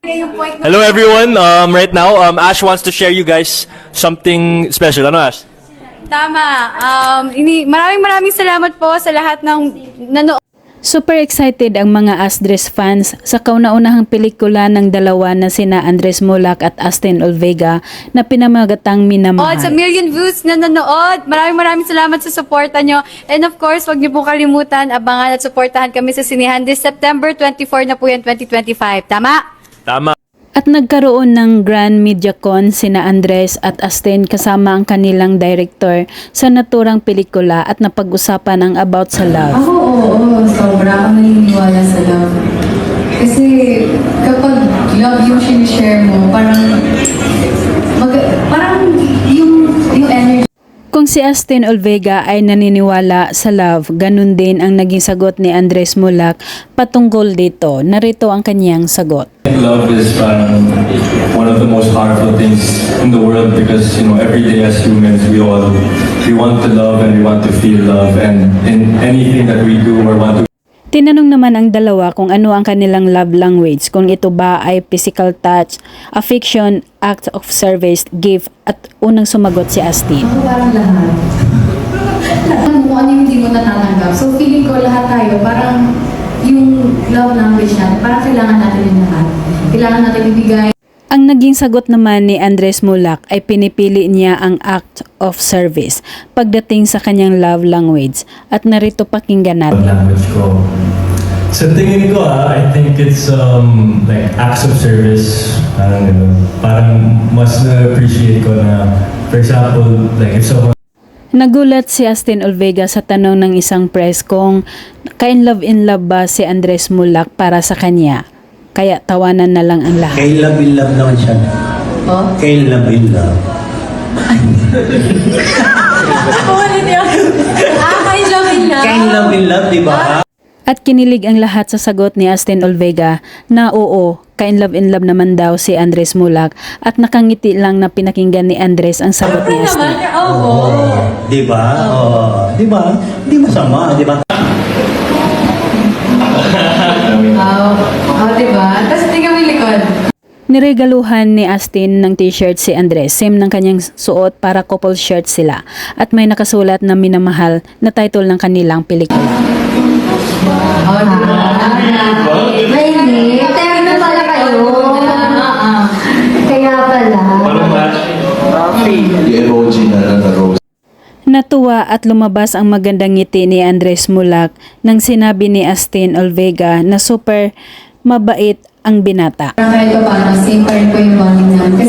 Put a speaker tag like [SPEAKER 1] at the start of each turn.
[SPEAKER 1] Hello everyone. Right now, Ash wants to share you guys something special. Ano, Ash?
[SPEAKER 2] Tama. Maraming salamat po sa lahat ng nanood.
[SPEAKER 3] Super excited ang mga Asdres fans sa kauna-unahang pelikula ng dalawa na sina Andres Mulak at Astin Olvega na pinamagatang Minamahal.
[SPEAKER 2] Sa million views na nanood. Maraming salamat sa suporta nyo. And of course, wag niyo po kalimutan, abangan at suportahan kami sa Sinihan this September 24 na po yan, 2025. Tama?
[SPEAKER 1] Tama.
[SPEAKER 3] At nagkaroon ng Grand MediaCon sina Andres at Astin kasama ang kanilang director sa naturang pelikula at napag-usapan ang about sa love.
[SPEAKER 4] Ako, oo. Sobra akong naniniwala sa love. Kasi kapag love yung sinishare mo, parang yung energy.
[SPEAKER 3] Kung si Astin Olvega ay naniniwala sa love, ganun din ang naging sagot ni Andres Mulak patungkol dito. Narito ang kanyang sagot.
[SPEAKER 5] Love is one of the most powerful things in the world because every day as humans we want to love and we want to feel love, and in anything that we do or want to.
[SPEAKER 3] Tinanong naman ang dalawa kung ano ang kanilang love language, kung ito ba ay physical touch, affection, act of service, gift, at unang sumagot si Astin.
[SPEAKER 4] Ako parang lahat. Lahat mo ano yung hindi mo natatanggap. So feeling ko lahat tayo, parang yung love language natin, parang kailangan natin yung lahat. Kailangan natin ibigay.
[SPEAKER 3] Ang naging sagot naman ni Andres Mulak ay pinipili niya ang act of service pagdating sa kanyang love language, at narito pakinggan natin.
[SPEAKER 5] Language ko. Sa tingin ko, I think it's like acts of service. Parang mas na-appreciate ko na, for example, like if someone.
[SPEAKER 3] Nagulat si Astin Olvega sa tanong ng isang press kung in love ba si Andres Mulak para sa kanya. Kaya tawanan na lang ang lahat.
[SPEAKER 6] Kay love in love naman siya.
[SPEAKER 4] Oh?
[SPEAKER 6] Kay love in love. Kay love in love, di ba?
[SPEAKER 3] At kinilig ang lahat sa sagot ni Astin Olvega na oo, in love naman daw si Andres Mulak, at nakangiti lang na pinakinggan ni Andres ang sagot ni Astin.
[SPEAKER 6] Di ba? Di ba? Di masama, di ba?
[SPEAKER 4] Diba? Tapos tingnan mo yung likod.
[SPEAKER 3] Niregaluhan ni Astin ng t-shirt si Andres, same ng kanyang suot, para couple shirt sila, at may nakasulat na Minamahal na title ng kanilang pelikula.
[SPEAKER 7] May hindi. Terno pala kayo. Kaya pala.
[SPEAKER 5] The emoji na rose.
[SPEAKER 3] Natuwa at lumabas ang magandang ngiti ni Andres Mulak nang sinabi ni Astin Olvega na super mabait ang binata.
[SPEAKER 4] Parang kahit pa paano, same pa rin po yung bonding namin.